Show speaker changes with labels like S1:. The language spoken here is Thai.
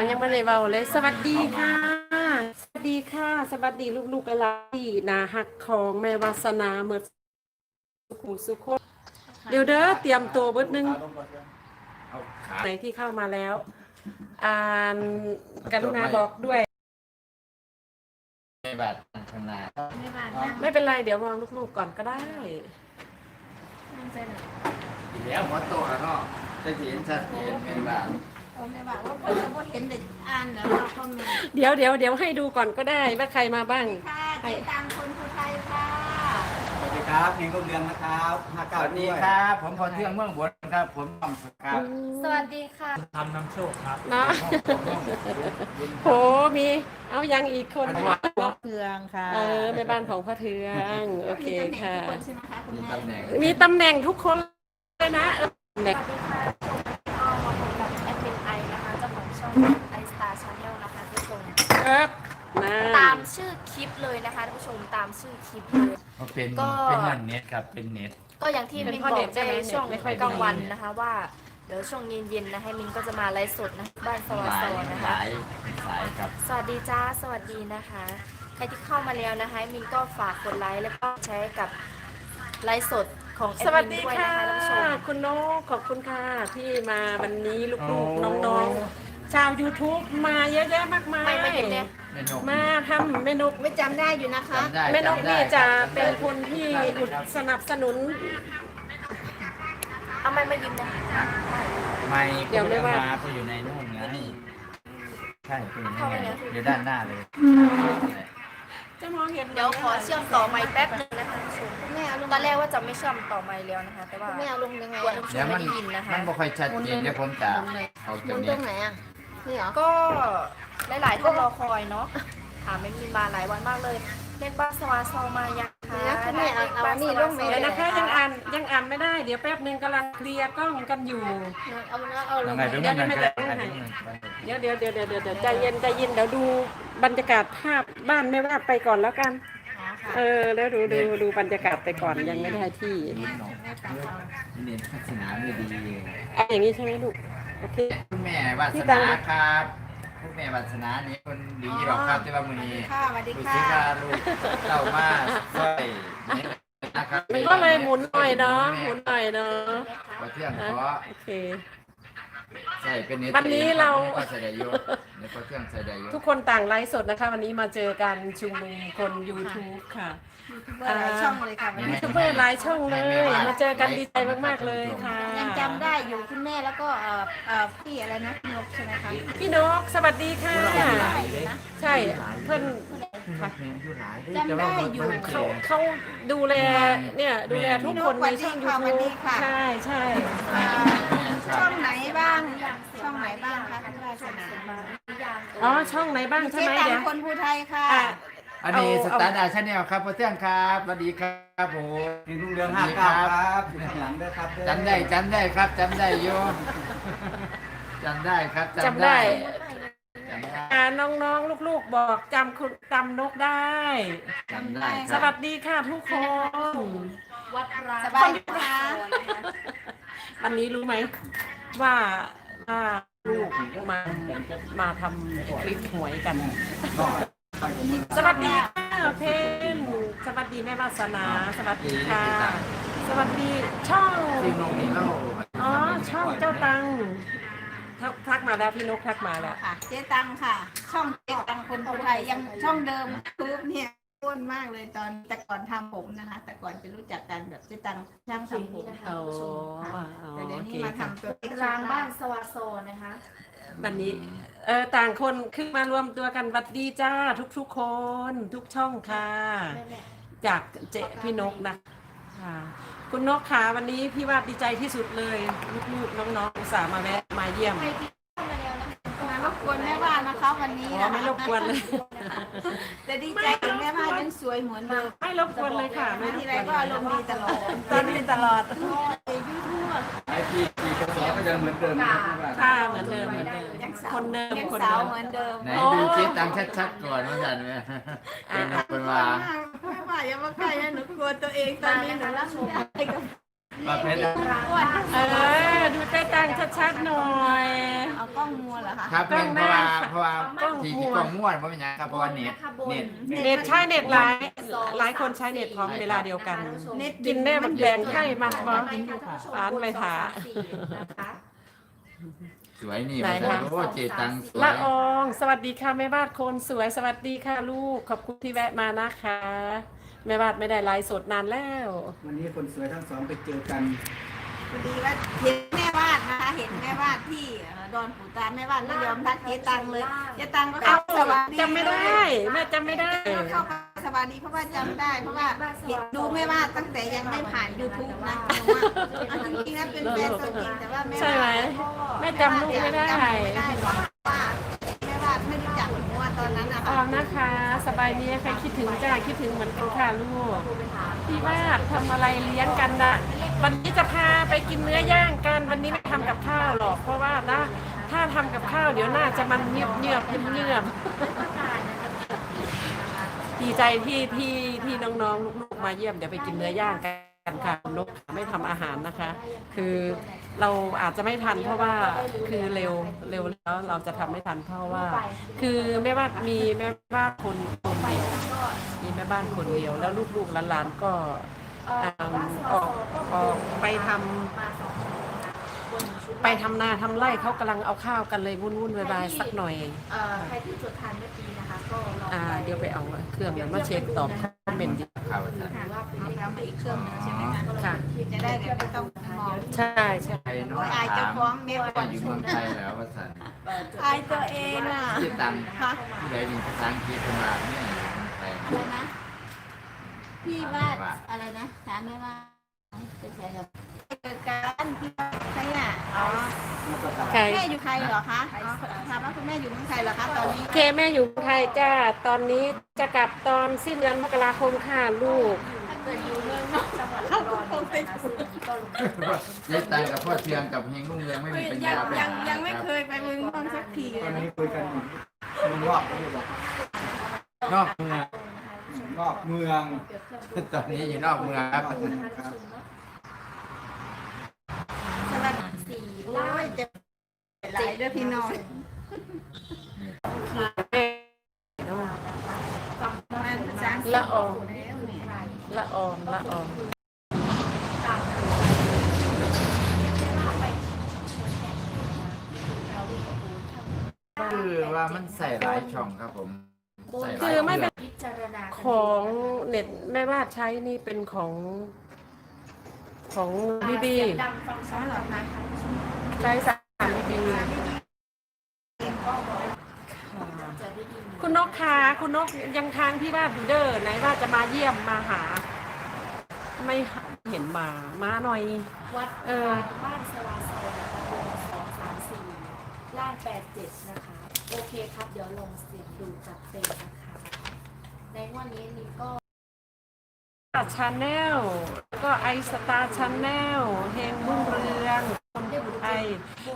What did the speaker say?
S1: ยังไม่ได้เบาเลยสวัสดีค่ะสวัสดีค่ะสวัสดีลูกๆอะไรนาฮักของแม่วาสนาเมื่อสุขุสุขคนเดี๋ยวเด้อเตรียมตัวเบิดนึงไหนที่เข้ามาแล้วอ่านกรุณาบอกด้วย
S2: ไม่บัตรชำนาญ
S1: ไม่เป็นไรเดี๋ยวมองลูกๆก่อนก็ได้
S2: อีกแล้วหัวโตแล้วเนาะจะเห็นชัดเจนไม่บัตร
S3: ไม่บอกว่าคนจะเห็นเด็กอ่านแล้วเราคอมเมนต์
S1: เดี๋ยวให้ดูก่อนก็ได้ว่าใครมาบ้าง
S3: ค่ะเจ๊ตังคนภูไทยค่ะ
S4: สวัสดีครับเพลงรุ่งเรืองนะครับ59
S2: สวัสดีครับผมพรเทืองเมืองบนครับผมต้อมครับ
S3: สวัสดีค่ะ
S4: ทำน้ำโชคครับ
S1: เนาะโหมีเอายังอีกคน
S3: เพืองค่ะ
S1: แม่บ้านของพ่อเทืองโอเคค่ะ
S3: มีตำแหน่งทุกคนใช่ไหมคะคุณแม่
S2: มีตำแหน่ง
S1: มีตำแหน่งทุกคนเลยนะ
S3: สวัสดีค่ะก็มาพบกับแอดมินไอนะคะเจ้าของช่องไอสตาร์ชาแนลนะคะทุกคน
S1: ครับมา
S3: ตามชื่อคลิปเลยนะคะท่านผู้ชมตามชื่อคลิปเลย
S2: เป็นเน็ตครับเป็นเน็ต
S3: ก็อย่างที่มินบอกในช่วงกลางวันนะคะว่าเดี๋ยวช่วงเย็นๆนะให้มินก็จะมาไลฟ์สดนะบ้านสวัสดิ์นะคะ
S2: สายครับ
S3: สวัสดีจ้าสวัสดีนะคะใครที่เข้ามาแล้วนะคะมินก็ฝากกดไลค์แล้วก็แชร์กับไลฟ์สดของแอ
S1: ส
S3: ด
S1: วัส
S3: มิน
S1: ดี
S3: ด้วย
S1: ค่ะ
S3: นะคะท่านผู้ชม
S1: คุณนกขอบคุณค่ะที่มาวันนี้ลูกๆน้องๆชาว YouTube มาเยอะแยะมากมาย
S3: ไม่เห็นเนี่ย
S2: ไม่นก
S1: มาทำแม่นก
S3: ไม่จำได้อยู่นะคะ
S2: จำได้
S1: แม่นกนี่จะเป็น
S2: จำได้
S1: คนที่สนับสนุน
S3: เอาไม่มายิ้มนะ
S2: ไม่
S1: เดี๋ยวไม่ว่า
S2: ไปอยู่ในนู่นไงใช่คุณอยู่ด้านหน้าเลย
S1: จะมองเห็น
S3: เดี๋ยวขอเชื่อมต่อไมค์แป๊บนึงนะคะท่านผู้ชมตอนแรกว่าจะไม่เชื่อมต่อไมค์แล้วนะคะ แต่ว่า
S5: ไม่เอาลงยังไง
S3: กลัว
S5: อ่ะ
S3: ท่านผู้ช
S2: เดี๋ย
S3: ม
S2: วมั
S3: ไม่
S2: น
S3: ได้ยินนะคะ
S2: มันบ่ค่อยชัดเจนเดี๋ยวผมจะเอา
S5: ห
S2: ตร
S5: มุ
S2: ง
S5: นต
S2: นี้
S5: รงไหนอ่ะ นี่เหรอ
S3: ก็หลายๆท่านรอคอยเนาะถามไม่มีมาหลายวันมากเลยเล่นบ้านสวาซอมายังคะ
S5: เดี๋ยวคุณแม่เอาอันนี้ลงไหม
S1: เดี๋ยวนะคะยังอ่านไม่ได้เดี๋ยวแป๊บนึงกำลังเคลียร์กล้องกันอยู่
S5: เอาลง
S2: ไงตรงนั้นมันก็ได้
S1: เดี๋ยวใจเย็นเดี๋ยวดูบรรยากาศภาพบ้านไม่ว่าไปก่อนแล้วกัน แล้วดูบรรยากาศไปก่อนยังไม่ได้ที่
S2: เน็ตพัฒนาไม่ดี
S1: เอาอย่างนี้ใช่ไหมลูกโอเค
S2: คุณแม่วาสนาครับคุณแม่วาสนานี่คนดีหรอกครับที่ว่ามือนี้
S3: ค่ะสวัสดี
S2: ดู
S3: ค่ะ
S2: สิว่าลูกเต่ามาสร้อยนี่นะครับ
S1: มันก็เลยหมุนหน่อยเนาะหมุนหน่อยเนาะ
S2: พอเที่ยงขอ
S1: โอเค
S2: ใส่เป็นเน็ต
S1: วันนี้เรา
S2: ก็ใส่ได้อยู่ในพอเที่ยงใส่ได้อยู่
S1: ทุกคนต่างไลฟ์สดนะคะ วันนี้มาเจอกันชุมนุมคน YouTube ค่ะ
S3: หลายช่องเลยค่ะวัน
S1: ยู
S3: นี้
S1: ทูบเบอร์หลายช่องเลยมาเจอกันดีใจมากๆเลยค่ะ
S5: ยังจำได้อยู่คุณแม่แล้วก็พี่อะไรนะนกใช่ไหมคะ
S1: พี่นกสวัสดีค่ะ ใช่เพื่อนค่ะ
S5: จำได้อยู่
S1: เขาดูแลเนี่ยดูแลทุกคนในช่อง YouTube ใช่ใช่
S5: ช่องไหนบ้าง ช่องไหนบ้างคะคุณวาสนา
S1: อ๋อช่องไหนบ้างใช่
S5: เจ๊
S1: ไหม
S5: ตัง
S1: เดี๋ยว
S5: คนภูไทยค่ะ
S1: อ่ะ
S2: อันนี้สตาร์ดาชาแนลครับพอเที่ยงครับสวัสดีครับผม
S4: เพลงรุ่งเรือง59ครับอยู่ข้างหลังด้วยครับ
S2: จำได้ครับจำได้อยู่จำได้ครับ
S1: จำได้
S2: จำได้
S1: น้องๆลูกๆบอกจำนกได้
S2: จำได้ค
S1: ส
S2: รับ
S1: วัสดีค่ะทุกคน
S3: วัดร้าง
S5: สบายดีคะ
S1: วันนี้รู้ไหมว่าลูกมาทำคลิปหวยกัน สวัสดีค่ะเพนสวัสดีแม่วาสนา สวัสดีค่ะ สวัสดีช่อง
S2: ที่นงนี่เล่า
S1: อ๋อช่องเจ้าตังทักมาแล้วพี่นกทักมาแล้ว
S5: ค่ะ เจ๊ตังค่ะ ช่องเจ๊ตังคนภูไทยยังช่องเดิมคือเนี่ยอ้วนมากเลยตอนแต่ก่อนทำผมนะคะ แต่ก่อนจะรู้จักกันแบบเจ๊ตังช่างทำผม
S1: โอ้
S5: แต่เดี๋ยว
S1: โอเค
S5: นี้มา
S1: ค่ะ
S5: ทำตัวเล็ก
S3: ร้างบ้านสวาโซนะคะ
S1: วันนี้ต่างคนคือมารวมตัวกันวัดดีจ้าทุกๆคนทุกช่องค่ะ จากเจ๊พี่นกนะค่ะคุณนกค่ะวันนี้พี่ว่าดีใจที่สุดเลยลูกๆน้องๆอุตส่าห์มาแวะมาเยี่ยม
S5: มารบกวนแม่บ้านนะคะวันนี้
S1: อ๋อไม่รบกวนเลย
S5: แต่ดีใจกับแม่บ้านยังสวยเหมือนเดิม
S1: ไม่รบกวนเลยค่ะไม่
S5: มาร
S1: บ
S5: ที
S1: ก
S5: ไร
S1: วน
S5: ก็อารมณ์ดีตลอด
S1: ตอนนี้ตลอด
S2: ไอพีพีกระสอบก็ยังเหมือนเดิมนะครับ
S1: ค่ะเหมือนเดิมคนเดิม
S5: ยัง
S1: คน
S5: สาว
S1: เดิม
S5: เหมือนเดิม
S2: ไหนดูคิดตังชัดๆก่อนว่าจันเนี่ยเป็นว่า
S5: แม่บ้านอย่ามาใกล้นะหนูกลัวตัวเองตอนนี้หนูรับไม่ได้กับ
S2: ประเภท
S5: อ้วน
S1: ดูเต้ตังชัดๆหน่อย
S5: เอากล้องมัวเหรอคะ
S2: ครับเรื่องเพราะว่าที่กล้องม้วนเพราะเป็นอย่างครับเพราะว่าเน็ต
S1: เน็ตใช้เน็ตหลายคนใช้เน็ตพร้อมเวลาเดียวกัน
S5: เน็ต
S1: กินแน่มันแบ่งให้มาบ่ ร้านไม่ถา
S2: สวยนี่
S1: ไหน
S2: มัน
S1: คะ
S2: โอ้เจตังสวย
S1: ละอองสวัสดีค่ะแม่บ้านคนสวยสวัสดีค่ะลูกขอบคุณที่แวะมานะคะแม่บ้านไม่ได้ไลฟ์สดนานแล้ว
S4: วันนี้คนสวยทั้งสองไปเจอกัน
S5: พอดีว่าเห็นแม่วาดนะคะเห็นแม่วาดที่ดอนปู่ตาแม่วาดไม่ยอมทักเจ๊ตังเลยเจ๊ตังก็
S1: เอา
S5: เข้าสวัสดี
S1: จำไม่ได้แม่จำไม่ได้
S5: เข้าไปสวัสดีเพราะว่าจำได้เพราะว่าเห็นดูแม่วาดตั้งแต่ยังไม่ผ่าน YouTube นะหนูว่าเอาจริงๆนะเป็นแฟนตัวจริงแต่ว่าแม่วาด
S1: ใช่ไหมแม่จำลูกไม่ได้
S5: จำไม่ได้หรอกว่าแม่วาดไม่รู้จักหนูว่าตอนนั้นนะ
S1: อ
S5: คะ
S1: อมนะคะ สบายดีใครคิดถึงจ้าคิดถึงเหมือนกันค่ะลูกพี่ว่าทำอะไรเลี้ยงกันนะวันนี้จะพาไปกินเนื้อย่างกันวันนี้ไม่ทำกับข้าวหรอกเพราะว่านะถ้าทำกับข้าวเดี๋ยวน่าจะมันเงียบดีใจที่น้องๆลูกๆมาเยี่ยมเดี๋ยวไปกินเนื้อย่างกันค่ะคุณนกไม่ทำอาหารนะคะ คือเราอาจจะไม่ทันเพราะว่าคือเร็วแล้วเราจะทำไม่ทันเพราะว่า คือแม่บ้านมีแม่บ้านคนเดียวมีแม่บ้านคนเดียวแล้วลูกๆหลานๆก็ออกไปทำนาทำไร่เขากำลังเอาข้าวกันเลยวุ่นๆวายๆสักหน่อย
S3: ใครที่จดทันเมื่อกี้นะคะก็ลอง
S1: เดี๋ยวไปเอาเครื่องนั้นมาเช็คตอบคอมเมนต์
S2: ข่าวอาจารย์
S3: ถือว่าเป็น
S5: เอาไปอีกเครื่องนึงใช่ไหมคะ
S1: ค่ะ
S5: จะได้แบบไม่ต้องมอง
S1: ใช่ใช่
S2: ใครน้อ
S5: โอ้
S2: ง
S5: ยอายเจ้า
S2: ถาม
S5: ของเมียก่อน
S2: อยู่เมืองไทยแล้วว่าสัน
S5: อายตัวเองอ่ะ
S2: เจตัง
S5: ค่ะ
S2: ที่ไหนมีภาษาอังกฤษมาเนี่ยอยู่เมืองไทย
S5: อะไรนะพี่วาดอะไรนะถามแม่ว่าเป็นใครครับเกิดการที่ใครอ่ะอ๋อ
S1: ใคร
S5: แม่อยู่ใครเหรอคะอ๋อถามว่าคุณแม่อยู่เมืองไทยเหรอคะตอนนี้
S1: เคแม่อยู่ไทยจ้าตอนนี้จะกลับตอนสิ้นเดือนมกราคมค่ะลูก
S3: ถ้าเกิดอยู่เมืองนอกจังหวัดอุดรนะคะซึ่งก็ลง
S2: เจตังกับพ่อเทืองกับเฮงรุ่งเรืองไม่มีปัญญาไปหา
S5: ยังไม่เคยไปเมืองนอกสักทีเล
S4: ตอน
S5: ย
S4: นี้คุยกันอยู่เมืองนอกนี่บอก
S2: นอกเมือง
S4: นอกเมือง
S2: ตอนนี้อยู่นอกเมืองครับ
S4: ครับ
S5: สวัสดีโอ้ยเจ็บหลายเด้อพี่น้องประมาณ30
S1: ละออง
S5: แล้วเนี่ย
S1: ละอองละออง
S2: คือว่ามันใส่หลายช่องครับผมใส่หลาย
S1: คือไม่เป็น
S3: พิจารณา
S1: ของเน็ตแม่บ้านใช้นี่เป็นของบีบี
S3: ดังฟังซ้ายหรอคะ
S1: ใช้3บีบี
S3: จะได้ยิน
S1: คุณนกคะคุณนกยังทางที่บ้านอยู่เด้อไหนว่าจะมาเยี่ยมมาหา ไม่เห็นมาหน่อย
S3: วัด บ้านสวาโซนะคะวง234ล่าง87นะคะ โอเคครับ เดี๋ยวลงเสียงดูจัดเต็มนะคะ ในงวันนี้มีก็
S1: ชาแนลแล้วก็ไอสตาร์ชาแนลเฮงรุ่งเรืองคนไทย